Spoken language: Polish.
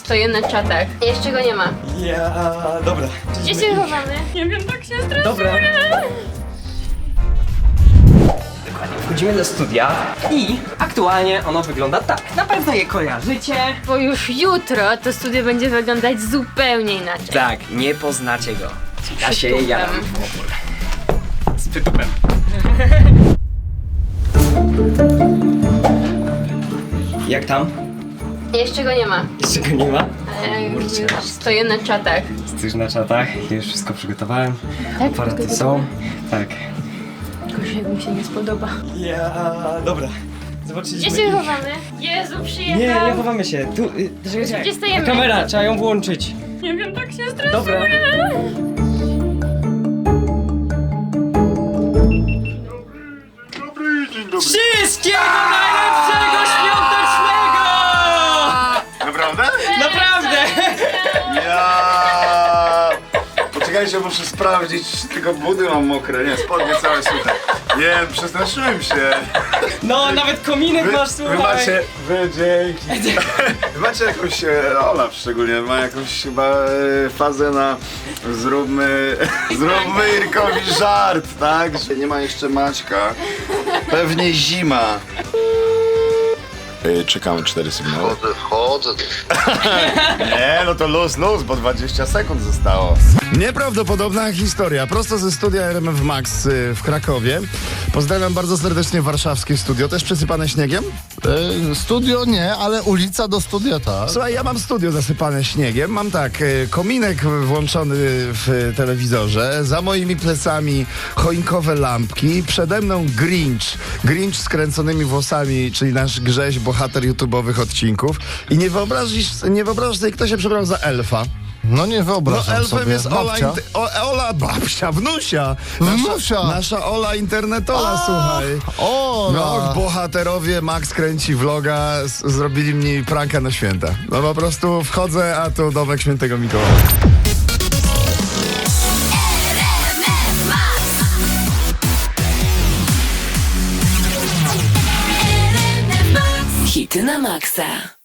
Stoję na czatach. Jeszcze go nie ma. Dobra. Gdzie się chowamy? Nie wiem, tak się stresuję. Dobra. Wchodzimy do studia i aktualnie ono wygląda tak. Na pewno je kojarzycie. Bo już jutro to studio będzie wyglądać zupełnie inaczej. Tak, nie poznacie go. Ja się Przytupem. jaram. Z przytupem. Jak tam? Jeszcze go nie ma. Jeszcze go nie ma? Już stoję na czatach. Jesteś na czatach, już wszystko przygotowałem. Tak, Aparaty wszystko są. Tak. Gorzej, jak mi się nie spodoba. Dobra. Zobaczyliśmy. Gdzie się chowamy? Jezu, przyjechał. Nie chowamy się. Tu, Gdzie stajemy? Kamera, trzeba ją włączyć. Nie wiem, tak się stresuję. Dobra. Wszystkiego najlepszego świątecznego! Naprawdę? Naprawdę! Ja. Poczekajcie, muszę sprawdzić, tylko budy mam mokre, nie, spodnie całe suche. Nie, przestraszyłem się. No, nawet kominek masz, słuchaj. dzięki. Wy macie jakąś, Olaf szczególnie, ma jakąś chyba fazę na zróbmy Irkowi żart, tak? Że nie ma jeszcze Maćka. Pewnie zima. Czekamy 4 sygnały. Chodzę. Nie, no to luz, bo 20 sekund zostało. Nieprawdopodobna historia, prosto ze studia RMF Max w Krakowie. Pozdrawiam bardzo serdecznie warszawskie studio, też przesypane śniegiem. Studio nie, ale ulica do studia tak. Słuchaj, ja mam studio zasypane śniegiem, mam tak, kominek włączony w telewizorze, za moimi plecami choinkowe lampki, przede mną Grinch z kręconymi włosami, czyli nasz Grześ, bohater YouTube'owych odcinków. I nie wyobrażasz sobie, kto się przebrał za elfa. No nie No wyobrażam elfem sobie. jest Ola, Babcia. Ola babcia, wnusia. Wnusia. Nasza Ola internetola, słuchaj. O, No, bohaterowie Max kręci vloga, zrobili mi pranka na święta. No po prostu wchodzę, a tu domek świętego Mikołaja. Hity na maksa.